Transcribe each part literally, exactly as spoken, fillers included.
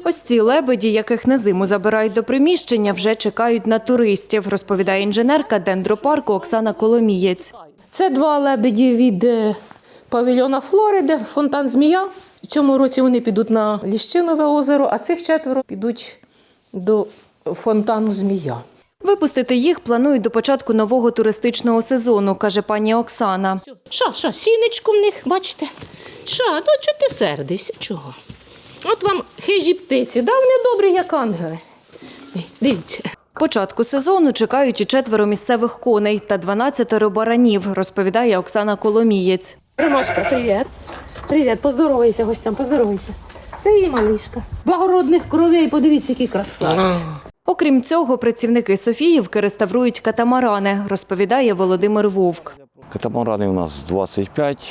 Ось ці лебеді, яких на зиму забирають до приміщення, вже чекають на туристів, розповідає інженерка дендропарку Оксана Коломієць. Це два лебеді від павільйона Флориди, фонтан «Змія». В цьому році вони підуть на Ліщинове озеро, а цих четверо підуть до фонтану «Змія». Випустити їх планують до початку нового туристичного сезону, каже пані Оксана. Що, що, сінечко в них, бачите? Що, ну чого ти сердишся, чого? От вам хижі птиці, да, вони добрі, як ангели. Дивіться. Початку сезону чекають і четверо місцевих коней та дванадцятеро баранів, розповідає Оксана Коломієць. Ромашка, привіт. Привіт, поздоровайся гостям, поздоровайся. Це її малишка. Благородних кровей, подивіться, які красавці. Окрім цього, працівники Софіївки реставрують катамарани, розповідає Володимир Вовк. Катамарани у нас двадцять п'ять,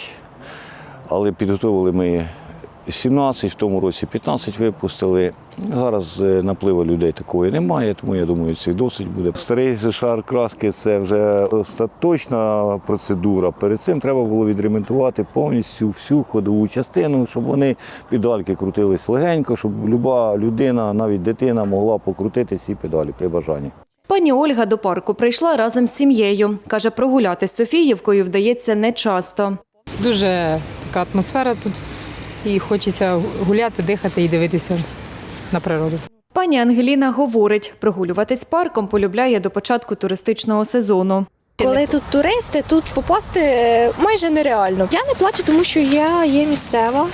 але підготовили ми сімнадцять, в тому році п'ятнадцять випустили. Зараз напливу людей такої немає, тому я думаю, це досить буде. Старий шар краски – це вже остаточна процедура. Перед цим треба було відремонтувати повністю всю ходову частину, щоб вони педальки крутились легенько, щоб люба людина, навіть дитина, могла покрутити ці педалі при бажанні. Пані Ольга до парку прийшла разом з сім'єю. Каже, прогулятись Софіївкою вдається нечасто. Дуже така атмосфера тут і хочеться гуляти, дихати і дивитися на природу. Пані Ангеліна говорить, прогулюватись парком полюбляє до початку туристичного сезону. Коли тут туристи, тут попасти майже нереально. Я не плачу, тому що я є місцева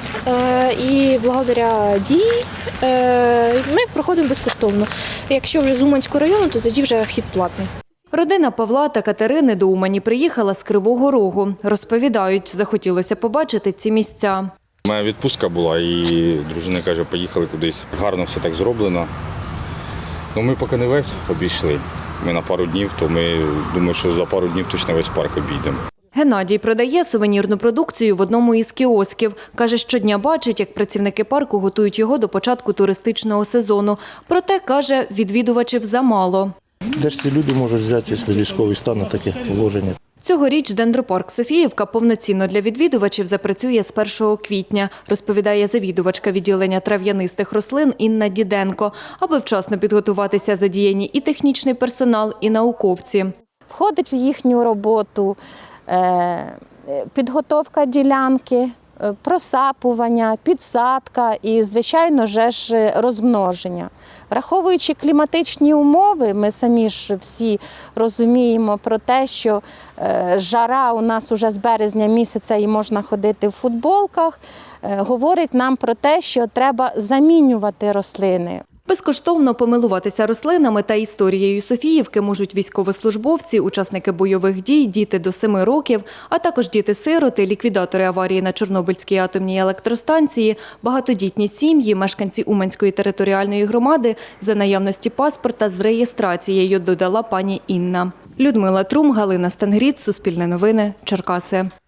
і благодаря дії ми проходимо безкоштовно. Якщо вже з Уманського району, то тоді вже вхід платний. Родина Павла та Катерини до Умані приїхала з Кривого Рогу. Розповідають, захотілося побачити ці місця. Моя відпустка була і дружина каже, поїхали кудись. Гарно все так зроблено. Ну, ми поки не весь обійшли. Ми на пару днів, то ми думаю, що за пару днів точно весь парк обійдемо. Геннадій продає сувенірну продукцію в одному із кіосків. Каже, щодня бачить, як працівники парку готують його до початку туристичного сезону. Проте, каже, відвідувачів замало. Де ж ці люди можуть взяти, якщо військовий стан на таке положення? Цьогоріч дендропарк Софіївка повноцінно для відвідувачів запрацює з першого квітня, розповідає завідувачка відділення трав'янистих рослин Інна Діденко. Аби вчасно підготуватися, задіяні і технічний персонал, і науковці. Входить в їхню роботу підготовка ділянки, просапування, підсадка і, звичайно, ж розмноження. Враховуючи кліматичні умови, ми самі ж всі розуміємо про те, що жара у нас уже з березня місяця і можна ходити в футболках, говорить нам про те, що треба замінювати рослини. Безкоштовно помилуватися рослинами та історією Софіївки можуть військовослужбовці, учасники бойових дій, діти до семи років, а також діти-сироти, ліквідатори аварії на Чорнобильській атомній електростанції, багатодітні сім'ї, мешканці Уманської територіальної громади за наявності паспорта з реєстрацією, додала пані Інна. Людмила Трум, Галина Стангріт, Суспільне новини, Черкаси.